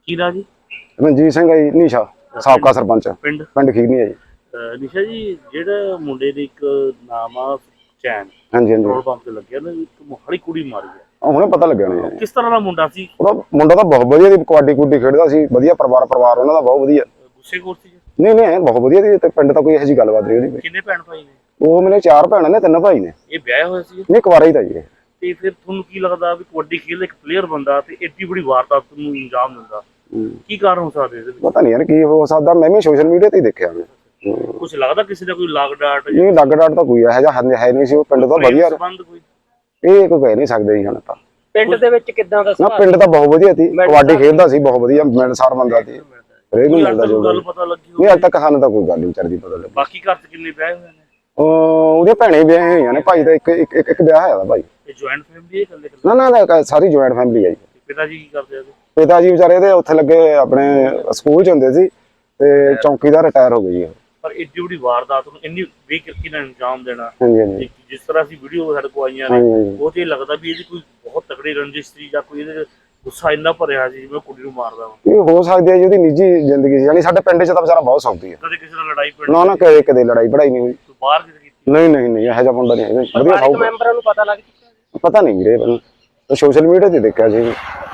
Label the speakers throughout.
Speaker 1: ਕੀ ਨਾਂ ਜੀ?
Speaker 2: ਰਣਜੀਤ ਸਿੰਘ ਹੈ ਜੀ, ਨੀਸ਼ਾ ਸਾਬਕਾ ਸਰਪੰਚ ਪਿੰਡ ਖੀਰਨੀ ਹੈ ਜੀ।
Speaker 1: ਨਿਸ਼ਾ ਜੀ, ਜਿਹੜਾ ਮੁੰਡੇ ਦੇ ਇੱਕ ਨਾਮ ਆ ਚੈਨ,
Speaker 2: ਹਾਂਜੀ ਹਾਂਜੀ,
Speaker 1: ਪੈਟਰੋਲ ਪੰਪ ਤੇ ਲੱਗਿਆ ਨਾ, ਇੱਕ ਮੋਹਾਲੀ ਕੁੜੀ ਮਾਰੀ ਹੈ,
Speaker 2: ਹੁਣੇ ਪਤਾ ਲੱਗਿਆ ਨਹੀਂ।
Speaker 1: ਕਿਸ ਤਰ੍ਹਾਂ ਦਾ ਮੁੰਡਾ ਸੀ?
Speaker 2: ਉਹਦਾ ਮੁੰਡਾ ਤਾਂ ਬਹੁਤ ਵਧੀਆ ਸੀ, ਕਬੱਡੀ ਕੁੱਡੀ ਖੇਡਦਾ ਸੀ, ਵਧੀਆ ਪਰਿਵਾਰ ਉਹਨਾਂ ਦਾ ਬਹੁਤ ਵਧੀਆ।
Speaker 1: ਗੁੱਸੇ ਖੋਰ ਸੀ?
Speaker 2: ਨਹੀਂ ਬਹੁਤ ਵਧੀਆ ਸੀ, ਤੇ ਪਿੰਡ ਤਾਂ ਕੋਈ ਇਹੋ ਜਿਹੀ ਗੱਲਬਾਤ ਨਹੀਂ ਉਹਦੀ।
Speaker 1: ਕਿੰਨੇ ਭੈਣ ਭਾਈ ਨੇ?
Speaker 2: ਉਹ ਮੇਰੇ 4 ਭੈਣਾਂ ਨੇ, 3 ਭਾਈ ਨੇ।
Speaker 1: ਇਹ ਵਿਆਹਿਆ ਹੋਇਆ ਸੀ?
Speaker 2: ਨਹੀਂ, ਕੁਆਰਾ ਹੀ ਤਾਂ ਜੀ।
Speaker 1: ਤੇ ਫਿਰ ਤੁਹਾਨੂੰ ਕੀ ਲੱਗਦਾ ਵੀ ਕਬੱਡੀ ਖੇਡਦਾ ਇੱਕ ਪਲੇਅਰ ਬੰਦਾ ਤੇ ਏਡੀ ਬੜੀ ਵਾਰਦਾਤ ਨੂੰ ਅੰਜਾਮ ਦਿੰਦਾ, ਕੀ ਕਾਰਨ ਹੋ ਸਕਦੇ ਇਹਦੇ ਵਿੱਚ?
Speaker 2: ਪਤਾ ਨਹੀਂ ਯਾਰ ਕੀ ਹੋ ਸਕਦਾ, ਮੈਂ ਵੀ ਸੋਸ਼ਲ ਮੀਡੀਆ ਤੇ ਹੀ ਦੇਖਿਆ।
Speaker 1: ਕੁਝ ਲੱਗਦਾ ਕਿਸੇ ਦਾ ਕੋਈ ਲਾਗ ਡਾਟ?
Speaker 2: ਨਹੀਂ, ਲੱਗ ਡਾਟ ਤਾਂ ਕੋਈ ਇਹੋ ਜਿਹਾ ਹੈ ਨਹੀਂ ਸੀ, ਉਹ ਪਿੰਡ ਤਾਂ ਵਧੀਆ। ਇਹ ਕੋਈ ਕਹਿ ਨਹੀਂ ਸਕਦੇ ਜੀ ਹੁਣ ਤਾਂ।
Speaker 3: ਪਿੰਡ ਦੇ ਵਿੱਚ ਕਿੱਦਾਂ ਦਾ
Speaker 2: ਨਾ, ਪਿੰਡ ਤਾਂ ਬਹੁਤ ਵਧੀਆ ਸੀ, ਕਬੱਡੀ ਖੇਡਦਾ ਸੀ, ਬਹੁਤ ਵਧੀਆ ਮਿਲਣਸਾਰ ਬੰਦਾ ਸੀ। ਹਰੇਕ ਨੂੰ ਮਿਲਦਾ ਜੋ
Speaker 1: ਗੱਲ ਪਤਾ ਲੱਗੀ
Speaker 2: ਨਹੀਂ, ਅੱਜ ਤੱਕ ਸਾਨੂੰ ਤਾਂ ਕੋਈ ਗੱਲ ਨਹੀਂ ਵਿਚਾਰਦੀ ਪਤਾ ਲੱਗੀ।
Speaker 1: ਬਾਕੀ ਘਰ ਚ ਕਿੰਨੇ ਵਿਆਹ ਹੋਏ ਨੇ?
Speaker 2: ਉਹਦੇ ਭੈਣੇ ਵਿਆਹੇ ਹੋਈਆਂ ਨੇ, ਭਾਈ ਦਾ ਇੱਕ ਵਿਆਹ ਹੋਇਆ ਭਾਈ।
Speaker 1: ਇਹ ਜੁਆਇੰਟ ਫੈਮਿਲੀ ਹੈ?
Speaker 2: ਨਾ ਸਾਰੀ ਜੁਆਇੰਟ ਫੈਮਿਲੀ ਹੈ ਜੀ।
Speaker 1: ਪਿਤਾ ਜੀ ਕੀ ਕਰਦੇ ਆ?
Speaker 2: ਪਿਤਾ ਜੀ ਵਿਚਾਰੇ ਦੇ ਉੱਥੇ ਲੱਗੇ, ਆਪਣੇ ਸਕੂਲ ਚ ਹੁੰਦੇ ਸੀ, ਤੇ ਚੌਂਕੀਦਾਰ ਰਿਟਾਇਰ ਹੋ ਗਏ ਜੀ।
Speaker 1: ਪਰ ਏਡੀ ਵੱਡੀ ਵਾਰਦਾਤ ਨੂੰ ਇੰਨੀ ਬੇਕਿਰਕੀ ਨਾਲ ਅੰਜਾਮ ਦੇਣਾ,
Speaker 2: ਹਾਂਜੀ ਹਾਂਜੀ,
Speaker 1: ਜਿਸ ਤਰ੍ਹਾਂ ਅਸੀਂ ਵੀਡੀਓ ਸਾਡੇ ਕੋਲ ਆਈਆਂ ਨੇ, ਉਹ ਤੇ ਲੱਗਦਾ ਵੀ ਇਹਦੀ ਕੋਈ ਬਹੁਤ ਤਕੜੀ ਰੰਜਿਸ਼ ਸੀ ਜਾਂ ਕੋਈ ਇਹਦੇ ਗੁੱਸਾ ਇੰਨਾ ਭਰਿਆ ਸੀ ਜਿਵੇਂ ਕੁੜੀ ਨੂੰ ਮਾਰਦਾ ਵਾ।
Speaker 2: ਇਹ ਹੋ ਸਕਦੀ ਹੈ ਜੀ, ਉਹਦੀ ਨਿੱਜੀ ਜ਼ਿੰਦਗੀ ਸੀ। ਯਾਨੀ ਸਾਡੇ ਪਿੰਡ ਚ ਤਾਂ ਵਿਚਾਰਾ ਬਹੁਤ ਸੌਖੀ ਹੈ।
Speaker 1: ਕਦੇ ਕਿਸੇ ਨਾਲ ਲੜਾਈ ਪੜੀ?
Speaker 2: ਨਾ ਕਦੇ ਲੜਾਈ ਪੜਾਈ ਨਹੀਂ ਹੋਈ।
Speaker 1: ਬਾਹਰ ਕਿਤੇ ਕੀਤੀ?
Speaker 2: ਨਹੀਂ ਇਹੋ ਜਿਹਾ ਮੁੰਡਾ ਨਹੀਂ ਹੈਗਾ, ਵਧੀਆ ਸੌਖ।
Speaker 3: ਮੈਂਬਰਾਂ ਨੂੰ ਪਤਾ ਲੱਗ ਚੁੱਕਿਆ?
Speaker 2: ਪਤਾ ਨਹੀਂ ਵੀਰੇ, ਮੈਨੂੰ ਸੋਸ਼ਲ ਮੀਡੀਆ ਤੇ ਦੇਖਿਆ ਸੀ।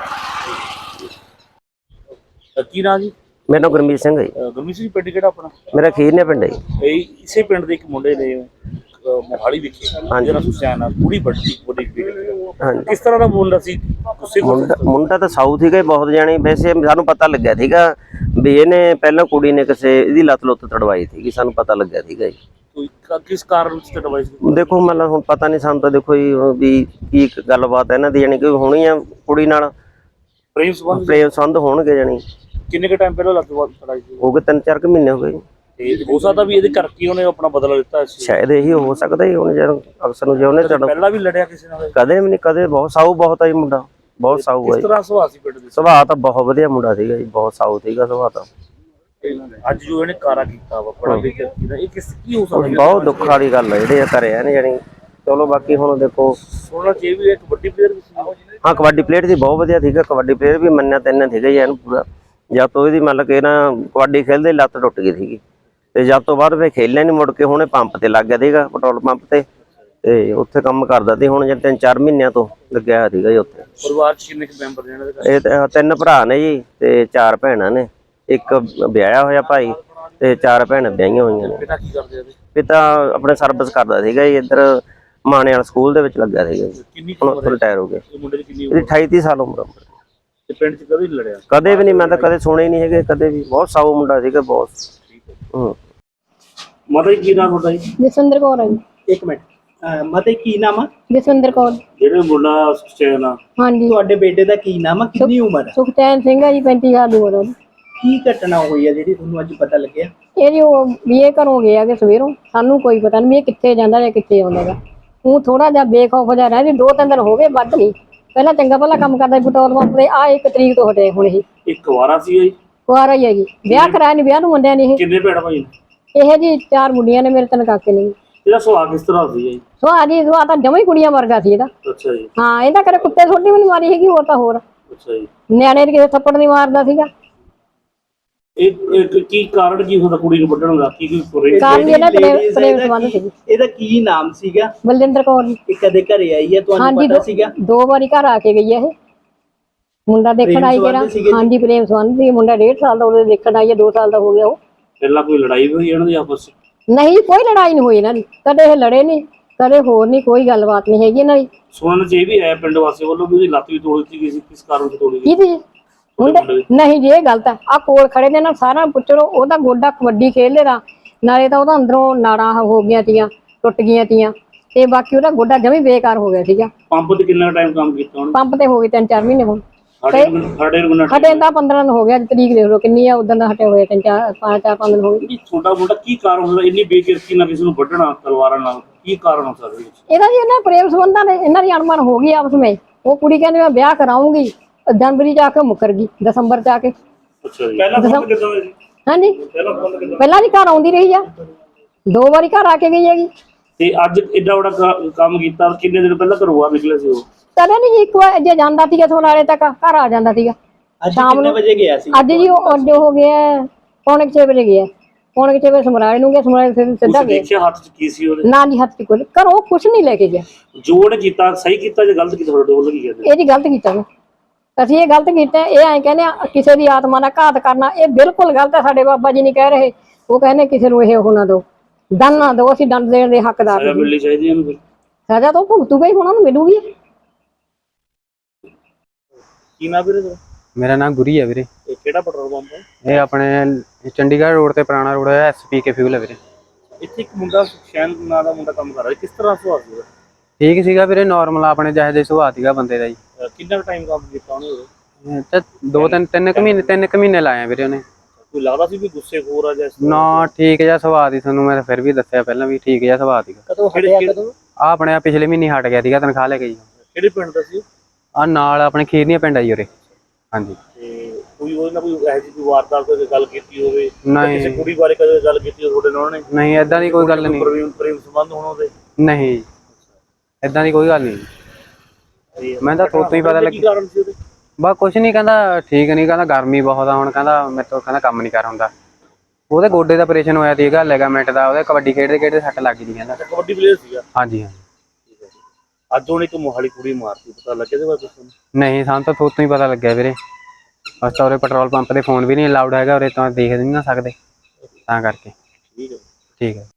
Speaker 1: ਕੀ ਨਾਂ ਜੀ?
Speaker 3: ਮੇਰਾ ਨਾਮ ਗੁਰਮੀਤ ਸਿੰਘ ਹੈ।
Speaker 1: ਗੁਰਮੀਤ ਸਿੰਘ, ਪਿੰਡ ਕਿਹੜਾ ਆਪਣਾ?
Speaker 3: ਮੇਰਾ ਖੀਰਨੇ ਪਿੰਡ ਹੈ ਜੀ।
Speaker 1: ਇਸੇ ਪਿੰਡ ਦੇ ਇੱਕ ਮੁੰਡੇ ਨੇ ਮੋਹਾਲੀ ਵਿਖੇ ਜਿਹੜਾ ਸੁਸ਼ਾਨ ਆ ਕੁੜੀ ਵੱਡੀ
Speaker 3: ਹਾਂਜੀ।
Speaker 1: ਕਿਸ ਤਰ੍ਹਾਂ ਦਾ ਮੁੰਡਾ ਸੀ? ਗੁੱਸੇ
Speaker 3: ਮੁੰਡਾ ਤਾਂ ਸਾਊਥ ਸੀਗਾ ਬਹੁਤ ਜਾਣੀ। ਵੈਸੇ ਸਾਨੂੰ ਪਤਾ ਲੱਗਿਆ ਸੀਗਾ ਵੀ ਇਹਨੇ ਪਹਿਲਾਂ ਕੁੜੀ ਨੇ ਕਿਸੇ ਇਹਦੀ ਲੱਤ ਤੜਵਾਈ ਸੀਗੀ, ਸਾਨੂੰ ਪਤਾ ਲੱਗਿਆ ਸੀਗਾ ਜੀ।
Speaker 1: ਕੋਈ ਕਿਸ ਕਾਰਨ ਚ ਤੜਵਾਈ ਸੀ?
Speaker 3: ਦੇਖੋ ਮਤਲਬ ਹੁਣ ਪਤਾ ਨਹੀਂ ਸਾਨੂੰ ਤਾਂ, ਦੇਖੋ ਜੀ ਵੀ ਕੀ ਗੱਲਬਾਤ ਹੈ ਇਹਨਾਂ ਦੀ, ਜਾਣੀ ਕਿ ਹੋਣੀ ਆ ਕੁੜੀ ਨਾਲ
Speaker 1: ਪ੍ਰੇਮ
Speaker 3: ਸੰਬੰਧ ਹੋਣਗੇ। ਜਾਣੀ
Speaker 1: ਕਿੰਨੇ ਕੁ ਟਾਈਮ ਪਹਿਲਾਂ ਲੱਤ ਤੜਾਈ ਸੀ?
Speaker 3: ਹੋ ਗਏ 3-4 ਮਹੀਨੇ ਹੋ ਗਏ ਜੀ।
Speaker 1: ਤੇ ਹੋ ਸਕਦਾ ਵੀ ਇਹਦੇ ਕਰਕੇ ਉਹਨੇ ਆਪਣਾ ਬਦਲਾ ਲਿੱਤਾ ਸੀ।
Speaker 3: ਸ਼ਾਇਦ ਇਹੀ ਹੋ ਸਕਦਾ ਹੀ। ਉਹਨੇ ਜਦੋਂ ਅਕਸਰ ਨੂੰ ਜੇ ਉਹਨੇ
Speaker 1: ਪਹਿਲਾਂ ਵੀ ਲੜਿਆ ਕਿਸੇ ਨਾਲ?
Speaker 3: ਕਦੇ ਵੀ ਨਹੀਂ, ਕਦੇ। ਬਹੁਤ ਸਾਊ ਬਹੁਤ ਆ ਜੀ ਮੁੰਡਾ, ਬਹੁਤ ਸਾਊ ਹੈ।
Speaker 1: ਕਿਸ ਤਰ੍ਹਾਂ ਸੁਭਾਅ ਸੀ ਪਿੰਡ ਦੇ?
Speaker 3: ਸੁਭਾਅ ਤਾਂ ਬਹੁਤ ਵਧੀਆ ਮੁੰਡਾ ਸੀਗਾ ਜੀ, ਬਹੁਤ ਸਾਊ ਸੀਗਾ ਸੁਭਾਅ ਤਾਂ।
Speaker 1: ਅੱਜ ਜੋ ਇਹਨੇ ਕਾਰਾ ਕੀਤਾ ਵਾ ਬੜਾ ਬੇਇੱਜ਼ਤੀ ਦਾ, ਇਹ ਕੀ ਹੋ ਸਕਦਾ?
Speaker 3: ਬਹੁਤ ਦੁੱਖ ਵਾਲੀ ਗੱਲ ਹੈ ਜਿਹੜੇ ਕਰਿਆ ਨੇ ਜਾਨੀ। ਚਲੋ ਬਾਕੀ ਹੁਣ ਦੇਖੋ,
Speaker 1: ਸੋਨਾ ਜੇ ਵੀ ਇੱਕ ਵੱਡੀ ਪਲੇਅਰ ਵੀ ਸੀ।
Speaker 3: ਹਾਂ, ਕਬੱਡੀ ਪਲੇਅਰ ਦੀ ਬਹੁਤ ਵਧੀਆ ਸੀਗਾ, ਕਬੱਡੀ ਪਲੇਅਰ ਵੀ ਮੰਨਿਆ ਤੈਨਾਂ ਸੀਗਾ ਜੀ ਇਹਨੂੰ ਪੂਰਾ। ਜਦ ਤੋਂ ਇਹਦੀ ਮਤਲਬ ਕਿ ਨਾ ਕਬੱਡੀ ਖੇਲਦੇ ਲੱਤ ਟੁੱਟ ਗਈ ਸੀਗੀ, ਤੇ ਜਦ ਤੋਂ ਬਾਅਦ ਫਿਰ ਖੇਲਿਆ ਨਹੀਂ ਮੁੜ ਕੇ। ਹੁਣੇ ਪੰਪ ਤੇ ਲੱਗ ਗਿਆ ਸੀਗਾ, ਪੈਟਰੋਲ ਪੰਪ ਤੇ ਉੱਥੇ ਕੰਮ ਕਰਦਾ ਸੀ। ਹੁਣ ਜੇ 3-4 ਮਹੀਨਿਆਂ ਤੋਂ ਲੱਗਿਆ ਹੋਇਆ ਸੀਗਾ ਜੀ ਉੱਥੇ।
Speaker 1: ਪਰਿਵਾਰ ਚ ਕਿੰਨੇ ਮੈਂਬਰ ਨੇ ਇਹਨਾਂ ਦੇ?
Speaker 3: ਇਹ 3 ਭਰਾ ਨੇ ਜੀ, ਤੇ 4 ਭੈਣਾਂ ਨੇ। ਇੱਕ ਵਿਆਹਿਆ ਹੋਇਆ ਭਾਈ, ਤੇ 4 ਭੈਣਾਂ ਵਿਆਹੀਆਂ ਹੋਈਆਂ ਨੇ।
Speaker 1: ਪਿਤਾ ਕੀ ਕਰਦੇ ਆ?
Speaker 3: ਪਿਤਾ ਆਪਣੇ ਸਰਵਿਸ ਕਰਦਾ ਸੀਗਾ ਜੀ, ਇੱਧਰ ਮਾਣੇ ਵਾਲਾ ਸਕੂਲ ਦੇ ਵਿੱਚ ਲੱਗਾ ਸੀਗਾ ਜੀ। ਹੁਣ ਰਿਟਾਇਰ ਹੋ ਗਿਆ।
Speaker 1: ਮੁੰਡੇ ਦੀ ਕਿੰਨੀ
Speaker 3: ਇਹਦੀ 28-30 ਸਾਲ ਉਮਰ।
Speaker 1: ਤੇ ਪਿੰਡ ਚ ਕਦੇ ਨਹੀਂ ਲੜਿਆ?
Speaker 3: ਕਦੇ ਵੀ ਨਹੀਂ, ਮੈਂ ਤਾਂ ਕਦੇ ਸੁਣੇ ਹੀ ਨਹੀਂ ਹੈਗੇ ਕਦੇ ਵੀ। ਬਹੁਤ ਸਾਊ ਮੁੰਡਾ ਸੀਗਾ, ਬਹੁਤ।
Speaker 1: ਮਾਤਾ ਜੀ ਕੀ ਨਾਮ ਤੁਹਾਡਾ ਜੀ?
Speaker 4: ਜਸਵਿੰਦਰ ਕੌਰ ਹੈ ਜੀ।
Speaker 5: ਇੱਕ ਮਿੰਟ, ਮਾਤਾ ਜੀ ਕੀ ਨਾਮ ਆ?
Speaker 4: ਜਸਵਿੰਦਰ ਕੌਰ।
Speaker 1: ਜਿਹੜੇ ਮੁੰਡਾ ਸੁਖਚੈਨ ਆ,
Speaker 4: ਹਾਂਜੀ।
Speaker 5: ਤੁਹਾਡੇ ਬੇਟੇ ਦਾ ਕੀ ਨਾਮ ਆ? ਕਿੰਨੀ ਉਮਰ ਆ?
Speaker 4: ਸੁਖਚੈਨ ਸਿੰਘ ਹੈ ਜੀ, 35 ਸਾਲ ਦੀ ਉਮਰ ਉਹਦੀ।
Speaker 5: ਕੀ ਘਟਨਾ ਹੋਈ ਆ ਜਿਹੜੀ ਤੁਹਾਨੂੰ ਅੱਜ ਪਤਾ ਲੱਗਿਆ?
Speaker 4: ਇਹਦੀ ਉਹ ਵੀ ਇਹ ਘਰੋਂ ਗਿਆ ਕਿ ਸਵੇਰੋਂ, ਸਾਨੂੰ ਕੋਈ ਪਤਾ ਨਹੀਂ ਵੀ ਇਹ ਕਿੱਥੇ ਜਾਂਦਾ ਜਾਂ ਕਿੱਥੇ ਆਉਂਦਾ ਗਾ। ਉਹ ਥੋੜਾ ਜਿਹਾ ਬੇਖੌਫ ਜਿਹਾ ਰਹਿੰਦੀ, 2-3 ਦਿਨ ਹੋ ਗਏ, ਵੱਧ ਨਹੀਂ। ਪਹਿਲਾਂ ਚੰਗਾ ਭਲਾ ਕੰਮ ਕਰਦਾ ਪੈਟਰੋਲ ਪੰਪ ਤੇ, ਆ 1 ਤਰੀਕ ਤੋਂ ਹਟੇ ਹੁਣ। ਇਹ
Speaker 1: ਇੱਕ ਵਾਰਾ ਸੀ ਜੀ?
Speaker 4: ਕੁਆਰਾ ਹੀ ਹੈ ਜੀ, ਵਿਆਹ ਕਰਾਇਆ ਨਹੀਂ, ਵਿਆਹ ਨੂੰ ਮੁੰਡਿਆਂ ਨੇ। ਇਹ
Speaker 1: ਕਿੰਨੇ ਭੈਣ ਭਾਈ?
Speaker 4: ਇਹ ਜੀ 4 ਮੁੰਡੀਆਂ ਨੇ ਮੇਰੇ, 3 ਕਾਕੇ ਨੇ।
Speaker 1: ਇਹਦਾ ਸੁਭਾਅ ਕਿਸ ਤਰ੍ਹਾਂ ਸੀ ਜੀ?
Speaker 4: ਸੁਭਾਅ ਤਾਂ ਜਮਾਂ ਹੀ ਕੁੜੀਆਂ ਵਰਗਾ ਸੀ ਇਹਦਾ।
Speaker 1: ਅੱਛਾ ਜੀ।
Speaker 4: ਹਾਂ, ਇਹਦਾ ਕਦੇ ਕੁੱਤੇ ਛੋਟੀ ਵੀ ਨਹੀਂ ਮਾਰੀ ਹੈਗੀ, ਹੋਰ ਤਾਂ ਹੋਰ।
Speaker 1: ਅੱਛਾ ਜੀ।
Speaker 4: ਨਿਆਣੇ ਦੇ ਕਿਸੇ ਥੱਪੜ ਨਹੀਂ ਮਾਰਦਾ ਸੀਗਾ।
Speaker 1: ਇਹ ਕੀ ਕਾਰਨ ਕੀ ਹੁੰਦਾ ਕੁੜੀ ਨੂੰ ਵੱਢਣ ਦਾ? ਕੀ
Speaker 4: ਕਾਰਨ ਇਹਦਾ ਪ੍ਰੇਮ ਸੰਬੰਧ ਸੀ।
Speaker 5: ਇਹਦਾ ਕੀ ਨਾਮ ਸੀਗਾ?
Speaker 4: ਬਲਜਿੰਦਰ ਕੌਰ ਜੀ।
Speaker 5: ਇਹ ਕਦੇ ਘਰੇ ਆਈ ਹੈ, ਤੁਹਾਨੂੰ ਪਤਾ ਸੀਗਾ?
Speaker 4: 2 ਵਾਰੀ ਘਰ ਆ ਕੇ ਗਈ ਹੈ ਇਹ। ਮੁੰਡਾ ਦੇਖਣ ਆਈ ਜਿਹੜਾ। ਹਾਂਜੀ, ਪ੍ਰੇਮ ਸੰਬੰਧ ਸੀ। ਮੁੰਡਾ 1.5 ਸਾਲ ਦਾ ਉਹਦੇ ਦੇਖਣ ਆਈ ਹੈ, 2 ਸਾਲ ਦਾ ਹੋ ਗਿਆ ਉਹ।
Speaker 1: ਪਹਿਲਾਂ ਕੋਈ ਲੜਾਈ ਹੋਈ ਇਹਨਾਂ ਦੀ ਆਪਸ ਵਿੱਚ?
Speaker 4: ਨਹੀਂ, ਕੋਈ ਲੜਾਈ ਨਹੀਂ ਹੋਈ ਇਹਨਾਂ ਦੀ, ਕਦੇ ਇਹ ਲੜੇ ਨਹੀਂ, ਕਦੇ ਹੋਰ ਨਹੀਂ, ਕੋਈ ਗੱਲਬਾਤ ਨਹੀਂ ਹੈਗੀ ਇਹਨਾਂ ਦੀ।
Speaker 1: ਸੁਣਨ ਚ ਇਹ ਵੀ ਹੈ ਪਿੰਡ ਵਾਸੀਆਂ ਵੱਲੋਂ ਵੀ ਉਹਦੀ ਲੱਤ ਵੀ ਤੋੜੀ ਦਿੱਤੀ ਗਈ ਸੀ, ਕਿਸ ਕਾਰਨ ਤੋਂ ਤੋੜੀ ਗਈ?
Speaker 4: ਕਿਹਦੀ? ਮੁੰਡੇ? ਨਹੀਂ ਜੀ, ਇਹ ਗਲਤ ਹੈ। ਆ ਕੋਲ ਖੜੇ ਨੇ ਨਾ, ਸਾਰਾ ਪੁੱਛੋ। ਉਹਦਾ ਗੋਡਾ ਕਬੱਡੀ ਖੇਡਦੇ ਦਾ, ਨਾਲੇ ਤਾਂ ਉਹਦਾ ਅੰਦਰੋਂ ਨਾੜਾਂ ਹੋ ਗਈਆਂ ਤੀਆਂ, ਟੁੱਟ ਗਈਆਂ ਤੀਆਂ, ਤੇ ਬਾਕੀ ਉਹਦਾ ਗੋਡਾ ਜਮੀ ਬੇਕਾਰ ਹੋ ਗਿਆ ਸੀਗਾ।
Speaker 1: ਪੰਪ ਤੇ ਕਿੰਨਾ ਟਾਈਮ ਕੰਮ ਕੀਤਾ ਉਹਨੇ?
Speaker 4: ਪੰਪ ਤੇ ਹੋ ਗਏ 3-4 ਮਹੀਨੇ ਹੁਣ।
Speaker 1: ਸਾਡੇ
Speaker 4: ਹਟੇ ਤਾਂ 15 ਦਿਨ ਹੋ ਗਿਆ, ਤਰੀਕ ਦੇਖ ਲਓ ਕਿੰਨੀ ਆ, ਉਦੋਂ ਦਾ ਹਟੇ ਹੋਏ 5-4 ਦਿਨ ਹੋ ਗਏ।
Speaker 1: ਛੋਟਾ ਮੋਟਾ ਕੀ ਕਾਰਨ ਹੁੰਦਾ ਇੰਨੀ ਬੇਕਿਰਕੀ ਨਾਲ ਕਿਸੇ ਨੂੰ ਵੱਢਣਾ ਤਲਵਾਰਾਂ ਨਾਲ? ਕੀ ਕਾਰਨ ਹੋ ਸਕਦਾ
Speaker 4: ਇਹਦਾ ਜੀ? ਇਹਨਾਂ ਪ੍ਰੇਮ ਸੰਬੰਧਾਂ ਨੇ, ਇਹਨਾਂ ਦੀ ਅਣਮਨ ਹੋ ਗਈ ਆਪਸ ਵਿੱਚ। ਉਹ ਕੁੜੀ ਕਹਿੰਦੀ ਮੈਂ ਵਿਆਹ ਕਰਾਉਂਗੀ, ਜਨਵਰੀ ਚ ਆ ਕੇ ਮੁੱਕਰ ਗਈ, ਦਸੰਬਰ ਚ ਆ ਕੇ।
Speaker 1: ਅੱਛਾ ਜੀ। ਪਹਿਲਾਂ ਫੋਨ ਕਿੱਦਾਂ ਹੋਇਆ ਜੀ?
Speaker 4: ਹਾਂਜੀ, ਪਹਿਲਾਂ ਜੀ ਘਰ ਆਉਂਦੀ ਰਹੀ ਆ, 2 ਵਾਰੀ ਘਰ ਆ ਕੇ ਗਈ ਹੈਗੀ।
Speaker 1: ਤੇ ਅੱਜ ਏਡਾ ਵੱਡਾ ਕੰਮ ਕੀਤਾ, ਕਿੰਨੇ ਦਿਨ ਪਹਿਲਾਂ ਘਰੋਂ ਬਾਹਰ ਨਿਕਲੇ ਸੀ ਉਹ?
Speaker 4: ਕਦੇ ਨਹੀਂ ਜੀ, ਇੱਕ ਵਾਰ ਜੇ ਜਾਂਦਾ ਸੀਗਾ ਸੋਨਾਲੇ ਤੱਕ ਘਰ ਆ ਜਾਂਦਾ ਸੀਗਾ।
Speaker 5: ਅੱਜ
Speaker 4: ਸ਼ਾਮ
Speaker 5: ਕਿੰਨੇ
Speaker 4: ਨੂੰ-
Speaker 5: ਵਜੇ ਗਿਆ ਸੀ
Speaker 4: ਅੱਜ ਜੀ ਉਹ ਅੱਡੇ ਹੋ ਗਿਆ ਪੌਣੇ 6 ਵਜੇ ਗਿਆ, ਪੌਣੇ 6 ਵਜੇ ਸਮਰਾਲੇ ਨੂੰ ਗਿਆ, ਸਮਰਾਲੇ ਫਿਰ ਸਿੱਧਾ
Speaker 1: ਤੁਸੀਂ
Speaker 4: ਗਿਆ।
Speaker 1: ਦੇਖਿਆ ਹੱਥ 'ਚ ਕੀ ਸੀ ਉਹਦੇ?
Speaker 4: ਨਾ ਜੀ ਹੱਥ ਚ ਕੋਈ ਘਰੋਂ ਕੁਛ ਨਹੀਂ ਲੈ ਕੇ ਗਿਆ।
Speaker 1: ਜੋ ਉਹਨੇ ਕੀਤਾ ਸਹੀ ਕੀਤਾ ਜਾਂ ਗਲਤ ਕੀਤਾ ਤੁਹਾਡੇ ਵੱਲੋਂ ਕੀ ਕਹਿੰਦੇ?
Speaker 4: ਇਹ ਜੀ ਗਲਤ ਕੀਤਾ ਨੇ, ਅਸੀਂ ਇਹ ਗਲਤ ਕੀਤਾ। ਇਹ ਐਂ ਕਹਿੰਦੇ ਆ ਕਿਸੇ ਦੀ ਆਤਮਾ ਦਾ ਘਾਤ ਕਰਨਾ, ਇਹ ਬਿਲਕੁਲ ਗਲਤ ਹੈ। ਸਾਡੇ ਬਾਬਾ ਜੀ ਨਹੀਂ ਕਹਿ ਰਹੇ, ਉਹ ਕਹਿੰਦੇ ਕਿਸੇ ਨੂੰ ਇਹ ਉਹ ਨਾ ਦਿਓ, ਦੰਡ ਨਾ ਦਿਓ, ਅਸੀਂ ਦੰਡ ਦੇਣ ਦੇ ਹੱਕਦਾਰ
Speaker 1: ਸਜ਼ਾ
Speaker 4: ਨਹੀਂ।
Speaker 1: ਮਿਲਣੀ ਚਾਹੀਦੀ ਇਹਨੂੰ ਫਿਰ।
Speaker 4: ਸਜ਼ਾ ਤਾਂ ਉਹ ਭੁਗਤੂਗਾ ਹੀ, ਹੁਣ ਉਹਨੂੰ ਮਿਲੂਗੀ।
Speaker 1: ਕੀ ਨਾ ਵੀਰੇ ਤੇਰਾ?
Speaker 6: ਮੇਰਾ ਨਾਮ ਗੁਰੀ ਹੈ ਵੀਰੇ।
Speaker 1: ਇਹ ਕਿਹੜਾ ਪੈਟਰੋਲ ਪੰਪ ਹੈ?
Speaker 6: ਇਹ ਆਪਣੇ ਚੰਡੀਗੜ੍ਹ ਰੋਡ ਤੇ ਪੁਰਾਣਾ ਰੋਡ ਹੈ, SPK ਫਿਊਲ ਹੈ ਵੀਰੇ।
Speaker 1: ਇੱਥੇ ਇੱਕ ਮੁੰਡਾ ਸੁਖਸ਼ੈਨ ਨਾਂ ਦਾ ਮੁੰਡਾ ਕੰਮ ਕਰ ਰਿਹਾ, ਕਿਸ ਤਰ੍ਹਾਂ ਸੁਭਾਅ ਸੀ ਉਹਦਾ?
Speaker 6: ਠੀਕ ਸੀਗਾ ਵੀਰੇ, ਨਾਰਮਲ ਆਪਣੇ ਜਿਹੇ ਜਿਹੇ ਸੁਭਾਅ ਸੀਗਾ ਬੰਦੇ ਦਾ ਜੀ।
Speaker 1: ਕਿੰਨਾ ਟਾਈਮ ਕੰਮ ਕੀਤਾ ਉਹਨੇ?
Speaker 6: ਤੇ 3 ਕੁ ਮਹੀਨੇ ਲਾਏ ਆ ਵੀਰੇ ਉਹਨੇ।
Speaker 1: ਕੋਈ ਲੱਗਦਾ ਸੀ ਵੀ ਗੁੱਸੇਖੋਰ ਆ ਜਾਂ ਇਸ ਤਰ੍ਹਾਂ?
Speaker 6: ਨਾ ਠੀਕ ਜਿਹਾ ਸੁਭਾਅ ਦੀ, ਤੁਹਾਨੂੰ ਮੈਂ ਫਿਰ ਵੀ ਦੱਸਿਆ ਪਹਿਲਾਂ ਵੀ ਠੀਕ ਜਿਹਾ ਸੁਭਾਅ ਸੀਗਾ।
Speaker 5: ਕਦੋਂ
Speaker 1: ਕਿਹੜੇ
Speaker 6: ਆ ਆਪਣੇ ਆਹ ਪਿਛਲੇ ਮਹੀਨੇ ਹਟ ਗਿਆ ਸੀਗਾ ਤਨਖਾਹ ਲੈ ਕੇ ਜੀ।
Speaker 1: ਕਿਹੜੇ ਪਿੰਡ ਦਾ ਸੀ?
Speaker 6: ਆ ਨਾਲ ਆਪਣੇ ਖੀਰਨੀਆਂ ਪਿੰਡ ਆ ਜੀ ਉਰੇ। ਹਾਂਜੀ।
Speaker 1: ਤੇ ਕੋਈ ਉਹਦੇ ਨਾਲ ਕੋਈ ਇਹੋ ਜਿਹੀ ਕੋਈ ਵਾਰਦਾਤ ਕੋਈ ਗੱਲ ਕੀਤੀ ਹੋਵੇ?
Speaker 6: ਨਹੀਂ।
Speaker 1: ਕਿਸੇ ਕੁੜੀ ਬਾਰੇ ਕਦੇ ਗੱਲ ਕੀਤੀ ਹੋਵੇ ਤੁਹਾਡੇ ਨਾਲ ਉਹਨੇ?
Speaker 6: ਨਹੀਂ ਏਦਾਂ ਦੀ ਕੋਈ ਗੱਲ ਨਹੀਂ।
Speaker 1: ਪ੍ਰੇਮ ਸੰਬੰਧ ਹੋਣ ਉਹਦੇ?
Speaker 6: ਨਹੀਂ ਏਦਾਂ ਦੀ ਕੋਈ ਗੱਲ ਨਹੀਂ। ਮੈਂ ਤਾਂ ਤੋਂ ਹੀ ਪਤਾ
Speaker 1: ਕੀ
Speaker 6: ਲੱਗੀ।
Speaker 1: ਕਾਰਨ ਸੀ ਉਹਦੇ?
Speaker 6: ਬਸ ਕੁਛ ਨਹੀਂ, ਕਹਿੰਦਾ ਠੀਕ ਨਹੀਂ, ਕਹਿੰਦਾ ਗਰਮੀ ਬਹੁਤ ਆ, ਹੁਣ ਕਹਿੰਦਾ ਮੇਰੇ ਤੋਂ ਕਹਿੰਦਾ ਕੰਮ ਨਹੀਂ ਕਰ ਹੁੰਦਾ। ਉਹਦੇ ਗੋਡੇ ਦਾ ਆਪਰੇਸ਼ਨ ਹੋਇਆ ਸੀਗਾ ਲਿਗਾਮੈਂਟ ਦਾ, ਉਹਦੇ ਕਬੱਡੀ ਖੇਡਦੇ ਸੱਟ ਲੱਗ ਗਈ ਕਹਿੰਦਾ।
Speaker 1: ਕਬੱਡੀ ਪਲੇਅਰ ਸੀਗਾ?
Speaker 6: ਹਾਂਜੀ ਹਾਂਜੀ।
Speaker 1: ਅੱਜ ਉਹਨੇ ਇੱਕ ਮੋਹਾਲੀ ਕੁੜੀ ਮਾਰਤੀ, ਪਤਾ ਲੱਗਿਆ ਇਹਦੇ ਬਾਰੇ ਤੁਹਾਨੂੰ?
Speaker 6: ਨਹੀਂ ਸਾਨੂੰ ਤਾਂ ਤੋਂ ਹੀ ਪਤਾ ਲੱਗਿਆ ਵੀਰੇ। ਬਸ ਤਾਂ ਉਰੇ ਪੈਟਰੋਲ ਪੰਪ ਤੇ ਫੋਨ ਵੀ ਨਹੀਂ ਅਲਾਉਡ ਹੈਗਾ, ਉਰੇ ਤਾਂ ਦੇਖ ਨਹੀਂ ਨਾ ਸਕਦੇ, ਤਾਂ ਕਰਕੇ।
Speaker 1: ਠੀਕ ਹੈ।
Speaker 6: ਠੀਕ ਹੈ।